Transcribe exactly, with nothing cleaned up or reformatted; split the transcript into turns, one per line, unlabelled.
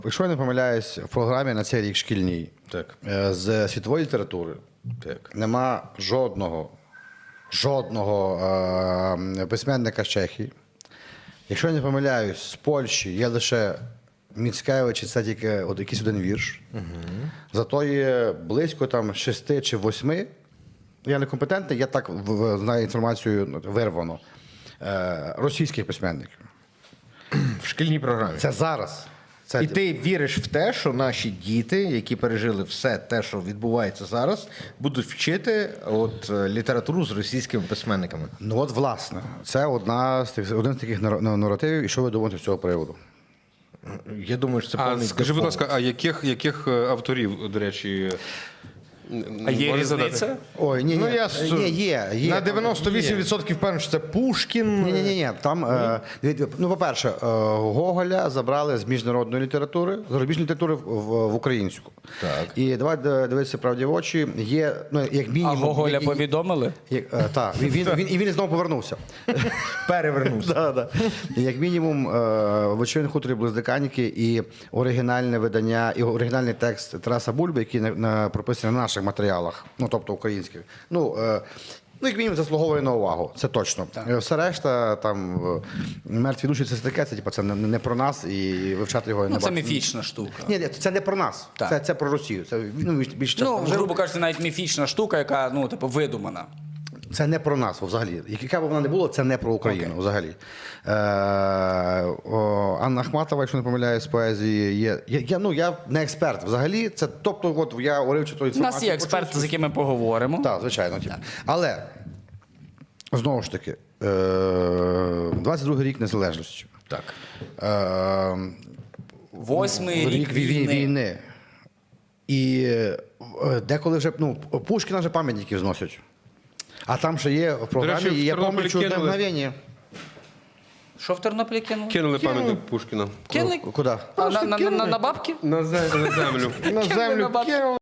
Якщо я не помиляюсь, в програмі на цей рік шкільній
Так.
е, з світової літератури
Так.
нема жодного, жодного е, письменника з Чехії. Якщо я не помиляюсь, з Польщі є лише Міцкевич, і це тільки от якийсь один вірш. Угу. Зато є близько там шести чи восьми. Я некомпетентний, я так в- в- знаю інформацію вирвано. Е, російських письменників.
В шкільній програмі.
Це зараз. Це
І ти віриш в те, що наші діти, які пережили все те, що відбувається зараз, будуть вчити от е, літературу з російськими письменниками.
Ну от, власне, це одна з тих, один з таких нар- наративів. І що ви думаєте з цього приводу?
Я думаю, що це
А
повний
скажи, будь
дефолт.
ласка, а яких, яких е, авторів, до речі,
А є
можеш
різниця?
задати?
Ой, ні, ні,
Ну, я с-
ні, є, є.
На дев'яносто вісім відсотків впевнений, що це Пушкін.
Ні, ні, ні, ні. Там, е, від- ну, по-перше, е, Гоголя забрали з міжнародної літератури, з зарубіжної літератури в, в, в українську.
Так.
І давай д- дивитися правді в очі. Є, ну, як
А
мінімум...
Гоголя
як-
повідомили?
як- е, Так, він, він, він, і він знову повернувся.
Перевернувся.
Да, да. І як мінімум, е, в «Вечірньому хуторі близь Диканіки» і оригінальне видання, і оригінальний текст Тараса Бульби, який на, на, прописаний на наших матеріалах, ну, тобто українських. Ну, е, ну, як мінімум, заслуговує на увагу, це точно. Е, Все решта, там, е, мертві душі, це таке, це, типу, це не, не про нас, і вивчати його не
Ну, це
бачу.
міфічна штука.
Ні, ні, це не про нас,
Так.
це, це про Росію. Це, ну, більш, більш
Ну,
часто
грубо кажучи, навіть міфічна штука, яка, ну, типу, видумана.
Це не про нас взагалі. Яка б вона не була, це не про Україну
Окей.
взагалі. Е, о, Анна Ахматова, якщо не помиляюсь, з поезії є. Я, я, ну, я не експерт взагалі. Це, тобто, от я уривчу ту
У
інформацію.
нас є експерти,
почув.
з якими поговоримо.
Так, звичайно. типу. Але, знову ж таки, е, двадцять другий рік незалежності.
Так.
Е,
Восьмий рік
вій-
війни.
війни. І е, деколи вже, ну, Пушкіна вже пам'ятників зносять. А там ще є в програмі,
речі, в
і я
Тернополі
пам'ятаю одне
кинули.
мгновення.
Що в Тернополі кинули?
Кинули пам'ятник Пушкіна
Кинули?
Куди?
А, на, на, на, на бабки?
На зе- на землю.
На
Кинули
землю
на бабки.
кинули.